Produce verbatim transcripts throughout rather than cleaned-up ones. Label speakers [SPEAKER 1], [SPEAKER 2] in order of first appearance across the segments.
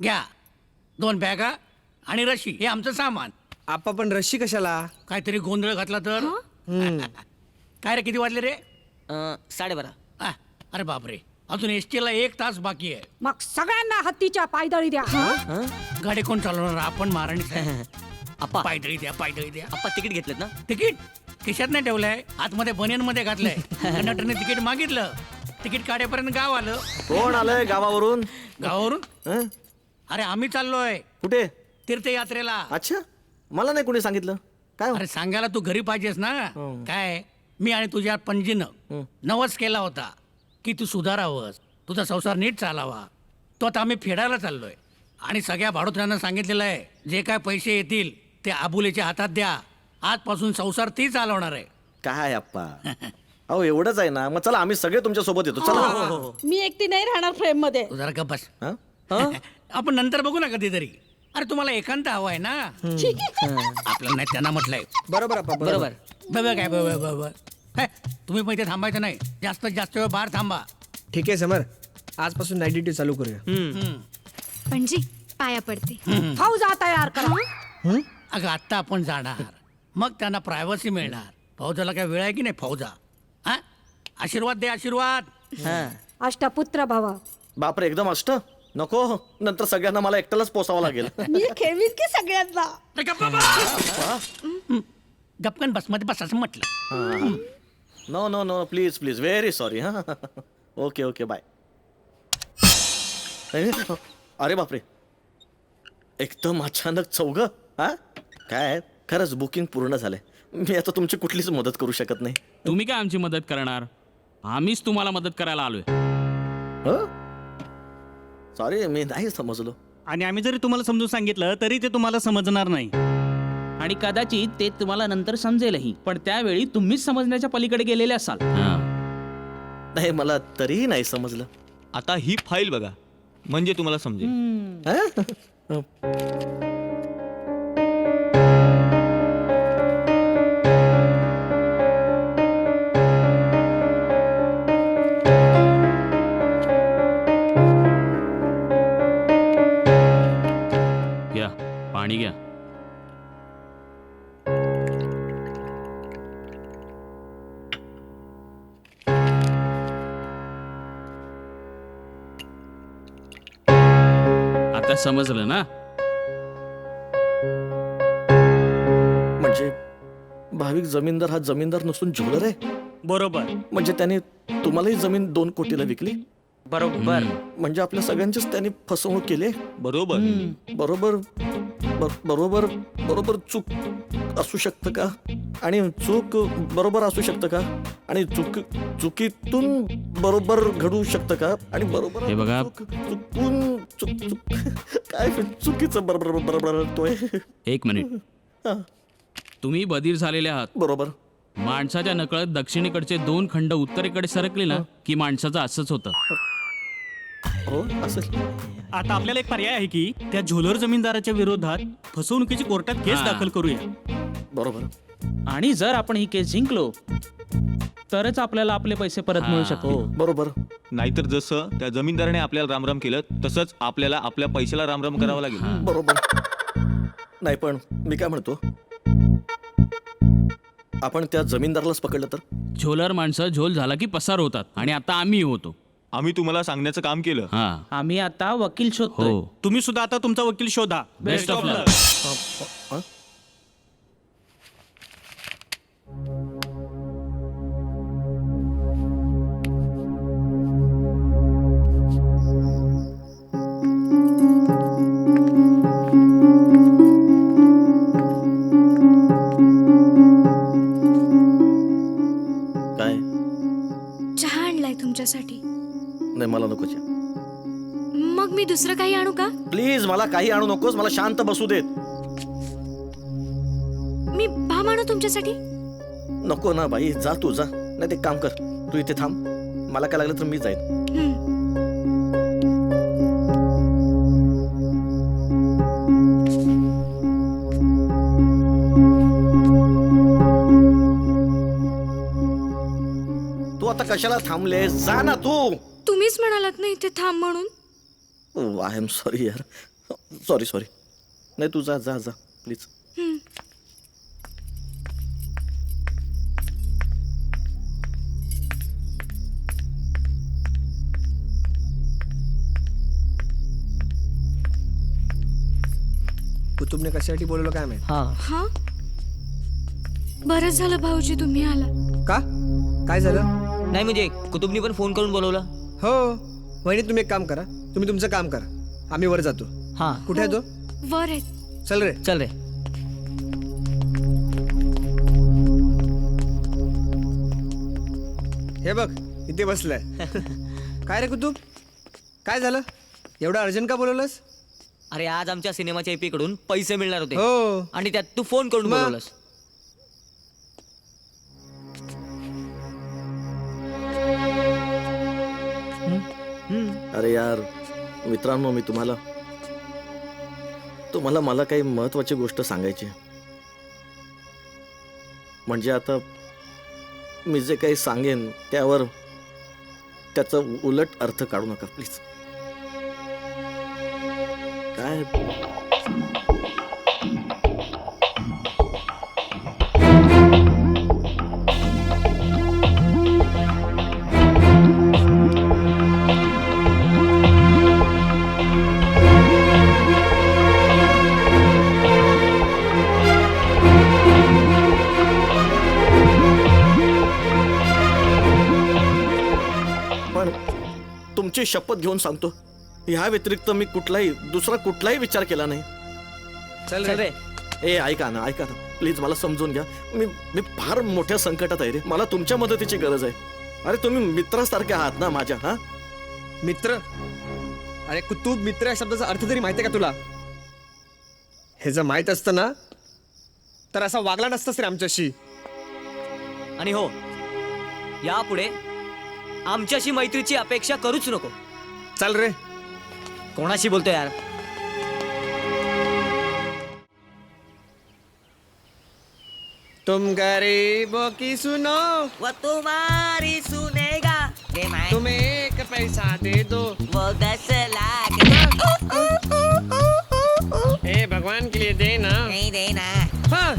[SPEAKER 1] घ्या दोन बॅगा आणि रशी हे आमचं सामान.
[SPEAKER 2] आपा पण रशी कशाला?
[SPEAKER 1] काहीतरी गोंधळ घातला तर. काय रे किती वाजले रे?
[SPEAKER 3] अं, साडेबारा.
[SPEAKER 1] आ, अरे बापरे अजून एस टीला एक तास बाकी आहे.
[SPEAKER 4] मग सगळ्यांना हत्तीच्या पायदळी द्या.
[SPEAKER 1] गाडी कोण चालवणार? आपण महाराणी साहेब.
[SPEAKER 3] आप्पा
[SPEAKER 1] पायदळी द्या पायदळी द्या.
[SPEAKER 3] आप्पा तिकीट घेतलेत ना?
[SPEAKER 1] तिकीट खिशात नाही ठेवलंय, आतमध्ये बनियन मध्ये घातलंय. कंडक्टरने तिकीट मागितलं, तिकीट काढेपर्यंत गाव आलं.
[SPEAKER 5] कोण आलंय गावावरून?
[SPEAKER 1] गावावरून?
[SPEAKER 5] हं?
[SPEAKER 1] अरे आम्ही चाललोय
[SPEAKER 5] कुठे?
[SPEAKER 1] तीर्थयात्रेला.
[SPEAKER 5] अच्छा, मला नाही कोणी सांगितलं. काय हो?
[SPEAKER 1] अरे सांगायला तू घरी पाहिजेस ना. काय मी आणि तुझ्या पणजीनं नवस केला होता की तू सुधारावंस, तुझा संसार नीट चालावा. तो आता आम्ही फेडायला चाललोय आणि सगळ्या भाडोत्र्यांना सांगितलेलं आहे जे काय पैसे येतील ते आबुलेच्या हातात द्या. आजपासून संसार ती चालवणार आहे.
[SPEAKER 5] काय अप्पा, अहो एवढंच आहे ना. मग चला आम्ही सगळे तुमच्या सोबत येतो. चला.
[SPEAKER 4] मी एकटी नाही राहणार फ्रेम मध्ये.
[SPEAKER 1] तू जरा गप्प बस.
[SPEAKER 5] हं?
[SPEAKER 1] आपण नंतर बघू ना कधीतरी. अरे तुम्हाला एकांत हवा आहे ना. आपल्याला नाही त्यांना म्हटलंय.
[SPEAKER 2] बरोबर आपा,
[SPEAKER 3] बरोबर.
[SPEAKER 1] बघ काय बघ बघ हे, तुम्ही पण इथे थांबायचं नाही. जास्त जास्त वेळ बाहेर थांबा.
[SPEAKER 2] ठीक आहे समर, आजपासून नाईट ड्युटी चालू करूया.
[SPEAKER 6] पणजी पाया पडते.
[SPEAKER 4] फौजा तयार करा.
[SPEAKER 1] अगं आत्ता आपण जाणार, मग त्यांना प्रायव्हसी मिळणार. फौजाला काय वेळ आहे की नाही? फौजा हा आशीर्वाद दे आशीर्वाद.
[SPEAKER 4] अष्टपुत्र भव.
[SPEAKER 5] बापरे, एकदम अष्ट नको. नंतर सगळ्यांना मला एकट्यालाच पोसावं लागेल.
[SPEAKER 4] मी खेळवीन की सगळ्यांना.
[SPEAKER 1] अरे गप्प बस. गपकन बस मध्ये बस असं म्हटलं.
[SPEAKER 5] No no no please please, very sorry. हा ओके ओके बाय. अरे बापरे, एकदम अचानक चौघ. हा काय, खरंच बुकिंग पूर्ण झालंय. मी आता तुमची कुठलीच मदत करू शकत नाही.
[SPEAKER 7] तुम्ही काय आमची मदत करणार? आम्हीच तुम्हाला मदत करायला आलोय.
[SPEAKER 5] सॉरी, मी नाही समजलो.
[SPEAKER 8] आणि आम्ही जरी तुम्हाला समजून सांगितलं तरी ते तुम्हाला समजणार नाही.
[SPEAKER 9] आणि कदाचित ते तुम्हाला नंतर समजेलही, पण त्यावेळी तुम्हीच समजण्याच्या पलीकडे गेलेले असाल.
[SPEAKER 5] नाही, मला तरीही नाही समजलं.
[SPEAKER 10] आता ही फाईल बघा, म्हणजे तुम्हाला समजेल.
[SPEAKER 5] हा?
[SPEAKER 7] घ्या पाणी घ्या. आता समजलं ना?
[SPEAKER 5] म्हणजे भाविक जमीनदार हा जमीनदार नसून ज्वेलर आहे.
[SPEAKER 8] बरोबर.
[SPEAKER 5] म्हणजे त्याने तुम्हालाही जमीन दोन कोटीला विकली.
[SPEAKER 3] बरोबर.
[SPEAKER 5] म्हणजे आपल्या सगळ्यांचीच त्यांनी फसवणूक केली.
[SPEAKER 10] बरोबर.
[SPEAKER 5] बरोबर बर- बरोबर बरोबर चूक असू शकतं का? आणि चूक बरोबर असू शकतं का? आणि चूक चुकीतून बरोबर घडू शकतं का? आणि बरोबर
[SPEAKER 7] हे बघा.
[SPEAKER 5] चूक- चुकून चुक चुक काय चुकीचं बरोबर बरोबर घडतोय.
[SPEAKER 7] एक मिनिट.
[SPEAKER 5] हा,
[SPEAKER 7] तुम्ही बधीर झालेले आहात.
[SPEAKER 5] बरोबर.
[SPEAKER 7] माणसाच्या नकळत दक्षिणेकडचे दोन खंड उत्तरेकडे सरकले ना की माणसाचं असंच होतं.
[SPEAKER 5] हो असेल.
[SPEAKER 8] आता आपल्याला एक पर्याय आहे की त्या झोलर जमीनदाराच्या विरोधात फसवणुकीची कोर्टात केस
[SPEAKER 7] हा.
[SPEAKER 8] दाखल करूया.
[SPEAKER 5] बरोबर.
[SPEAKER 9] आणि जर आपण ही केस जिंकलो तरच आपल्याला आपले पैसे परत मिळू शकतो.
[SPEAKER 5] बरोबर.
[SPEAKER 10] नाहीतर जसं त्या जमीनदाराने आपल्याला रामराम केलं तसंच आपल्याला आपल्या पैशाला रामराम करावं लागेल.
[SPEAKER 5] बरोबर. नाही पण मी काय म्हणतो, आपण त्या जमीनदारालाच पकडलं तर?
[SPEAKER 7] झोलर माणसं झोल झाला की पसार होतात आणि आता आम्ही होतो.
[SPEAKER 10] आम्ही तुम्हाला सांगण्याचं काम केलं.
[SPEAKER 7] हा
[SPEAKER 9] आम्ही आता वकील शोधतोय.
[SPEAKER 7] हो.
[SPEAKER 8] तुम्ही सुद्धा आता तुमचा वकील शोधा.
[SPEAKER 7] Best of luck.
[SPEAKER 5] हा? काय?
[SPEAKER 6] चहा आणलाय तुमच्यासाठी.
[SPEAKER 5] नाही मला नको चहा.
[SPEAKER 6] मग मी दुसरं काही आणू का?
[SPEAKER 5] प्लीज मला काही आणू नकोस. मला शांत बसू देत.
[SPEAKER 6] मी भाम आणू तुमच्यासाठी.
[SPEAKER 5] नको ना बाई, जा तू जा. नाही ते काम कर, तू इथे थांब. मला काय लागलं तर मी जाईन.
[SPEAKER 6] हं.
[SPEAKER 5] तू आता कशाला थांबले? जा ना तू.
[SPEAKER 6] तुम्हीच म्हणालात ना इथे थांब म्हणून.
[SPEAKER 5] आय एम सॉरी यार. सॉरी सॉरी नाही तू जा जा जा प्लीज.
[SPEAKER 2] कुतुबने कशासाठी बोलवलं काय माहित.
[SPEAKER 3] हा
[SPEAKER 6] हा बरंच झालं भाऊजी तुम्ही आला.
[SPEAKER 2] का काय झालं.
[SPEAKER 3] नाही म्हणजे कुतुबनी पण फोन करून बोलवलं.
[SPEAKER 2] हो वहिनी तुम्ही एक काम करा, तुम्ही तुमचं काम करा, आम्ही वर जातो.
[SPEAKER 3] हा
[SPEAKER 2] कुठे आहे तो.
[SPEAKER 6] वर आहेत.
[SPEAKER 2] चल रे.
[SPEAKER 3] चल रे.
[SPEAKER 2] हे बघ इथे बसलाय. काय रे कुतुब काय झालं, एवढं अर्जंट का बोलवलंस.
[SPEAKER 3] अरे आज आमच्या सिनेमाच्या एपी कडून पैसे मिळणार होते
[SPEAKER 2] हो
[SPEAKER 3] आणि त्यात तू फोन करून
[SPEAKER 2] मग?
[SPEAKER 3] बोलवलंस.
[SPEAKER 5] अरे यार मित्रांनो, मी तुम्हाला तुम्हाला मला काही महत्वाची गोष्ट सांगायची आहे. म्हणजे आता मी जे काही सांगेन त्यावर त्याचा उलट अर्थ काढू नका प्लीज. काय पण तुमची शपथ घेऊन सांगतो, ह्या व्यतिरिक्त मी कुठलाही दुसरा कुठलाही विचार केला नाही.
[SPEAKER 2] चल
[SPEAKER 3] चल
[SPEAKER 2] रे.
[SPEAKER 3] रे.
[SPEAKER 5] ए ऐका ना ऐका ना प्लीज, मला समजून घ्या. मी मी फार मोठ्या संकटात आहे रे. मला तुमच्या मदतीची गरज आहे. अरे तुम्ही मित्रासारखे आहात ना माझ्या. हा
[SPEAKER 2] मित्र. अरे कुतुब मित्र या शब्दाचा अर्थ तरी माहिती आहे का तुला. हे जर माहित असतं ना तर असा वागला नसतास रे आमच्याशी.
[SPEAKER 3] आणि हो यापुढे आमच्याशी मैत्रीची अपेक्षा करूच नको.
[SPEAKER 2] चल रे.
[SPEAKER 3] कोणाशी बोलतो यार.
[SPEAKER 2] तुम गरीबों की सुनो,
[SPEAKER 3] वो तुम्हारी सुनेगा
[SPEAKER 2] तुम्हें एक पैसा दे दो,
[SPEAKER 3] वो दस लाख
[SPEAKER 2] हे भगवान के लिए दे ना.
[SPEAKER 3] नहीं देना.
[SPEAKER 2] हाँ.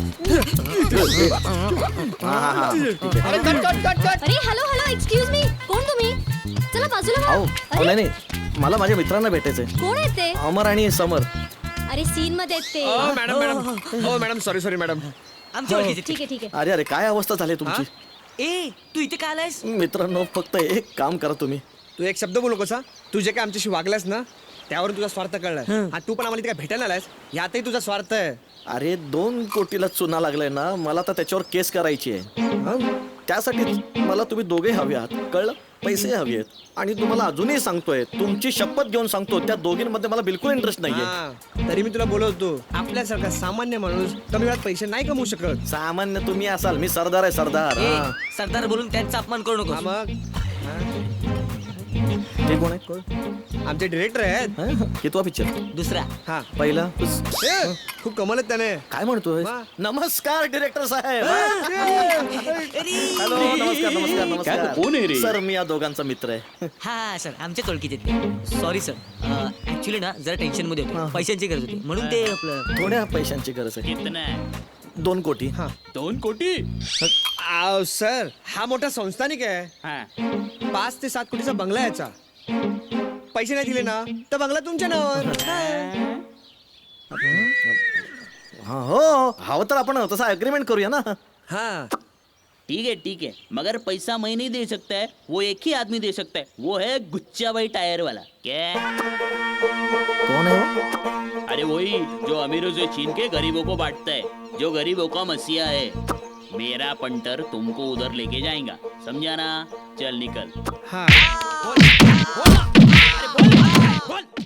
[SPEAKER 5] हा हा हा ठीक आहे.
[SPEAKER 2] अरे कट कट कट कट.
[SPEAKER 6] अरे हॅलो हॅलो एक्सक्यूज मी. कोण तुम्ही. चला बाजूला
[SPEAKER 5] अहो
[SPEAKER 6] व्हा.
[SPEAKER 5] अहो, नाही नाही मला माझ्या मित्रांना भेटायचंय.
[SPEAKER 6] कोण आहे ते.
[SPEAKER 5] अमर आणि समर.
[SPEAKER 6] अरे सीन मध्ये आहेत ते.
[SPEAKER 2] ओ मॅडम मॅडम ओ मॅडम सॉरी सॉरी मॅडम.
[SPEAKER 3] आमच्या ओळखीचे.
[SPEAKER 6] ठीक आहे ठीक आहे.
[SPEAKER 5] अरे अरे काय अवस्था झाली तुमची.
[SPEAKER 3] ए तू इथे काय आलायस.
[SPEAKER 5] मित्रांनो फक्त एक काम करा तुम्ही.
[SPEAKER 2] तू एक शब्द बोलू कसा. तू जे काय आमच्याशी वागलास ना त्यावरून तुझा स्वार्थ कळलाय. आणि तू पण आम्हाला इथे काय भेटायला आलायस यातही तुझा स्वार्थ आहे.
[SPEAKER 5] अरे दोन कोटीला चुना लागलाय ना, मला तर त्याच्यावर केस करायची आहे. हं? त्यासाठी मला तुम्ही दोघे हवे आहात, कळलं. पैसे हवे आहेत. आणि तुम्हाला अजूनही सांगतोय, तुमची शपथ घेऊन सांगतो, त्या दोघींमध्ये मला बिलकुल इंटरेस्ट नाहीये.
[SPEAKER 2] हा, तरी मी तुला बोलवतो, आपल्यासारखा सामान्य माणूस कमी वेळात पैसे नाही कमवू शकत.
[SPEAKER 5] सामान्य तुम्ही असाल, मी सरदार आहे सरदार.
[SPEAKER 3] ए,
[SPEAKER 5] हा.
[SPEAKER 3] सरदार बोलून त्यांचा अपमान करू
[SPEAKER 2] हा
[SPEAKER 3] नको.
[SPEAKER 2] मग
[SPEAKER 5] ते कोण आहे.
[SPEAKER 2] आमचे डिरेक्टर आहेत.
[SPEAKER 5] हं? कितवा पिक्चर.
[SPEAKER 3] दुसरा.
[SPEAKER 2] हा
[SPEAKER 5] पहिला.
[SPEAKER 2] ए, खूप कमाल आहेत त्याने.
[SPEAKER 5] काय म्हणतोय.
[SPEAKER 2] वा.
[SPEAKER 5] नमस्कार डिरेक्टर साहेब. हॅलो नमस्कार नमस्कार नमस्कार.
[SPEAKER 9] कोण आहे रे?
[SPEAKER 5] सर मी या दोघांचा मित्र आहे.
[SPEAKER 3] हा सर आमच्याच ओळखीचे ते. सॉरी सर ऍक्च्युली ना जरा टेन्शन मध्ये होते, पैशांची गरज होती म्हणून ते आपलं.
[SPEAKER 5] थोड्या पैशांची गरज आहे.
[SPEAKER 9] कितना.
[SPEAKER 5] दोन कोटी.
[SPEAKER 2] हा
[SPEAKER 9] दोन कोटी.
[SPEAKER 2] आव, सर हा मोठा संस्थानिक आहे.
[SPEAKER 9] हा
[SPEAKER 2] पाच ते सात कोटीचा बंगला आहे याचा. पैसे नाही दिले ना तर बंगला तुमच्या नावावर.
[SPEAKER 5] हा हो हवं तर आपण तसा अग्रीमेंट करूया ना.
[SPEAKER 2] हा
[SPEAKER 9] ठीक है ठीक है, मगर पैसा मैं नहीं दे सकता है, वो एक ही आदमी दे सकता है, वो है गुच्चा भाई टायर वाला. क्या.
[SPEAKER 5] कोण आहे वो?
[SPEAKER 9] अरे वही जो अमीरों से छीन के गरीबों को बांटता है, जो गरीबों का मसीहा है. मेरा पंटर तुमको उधर लेके जाएगा, समझा ना. चल निकल.
[SPEAKER 2] हा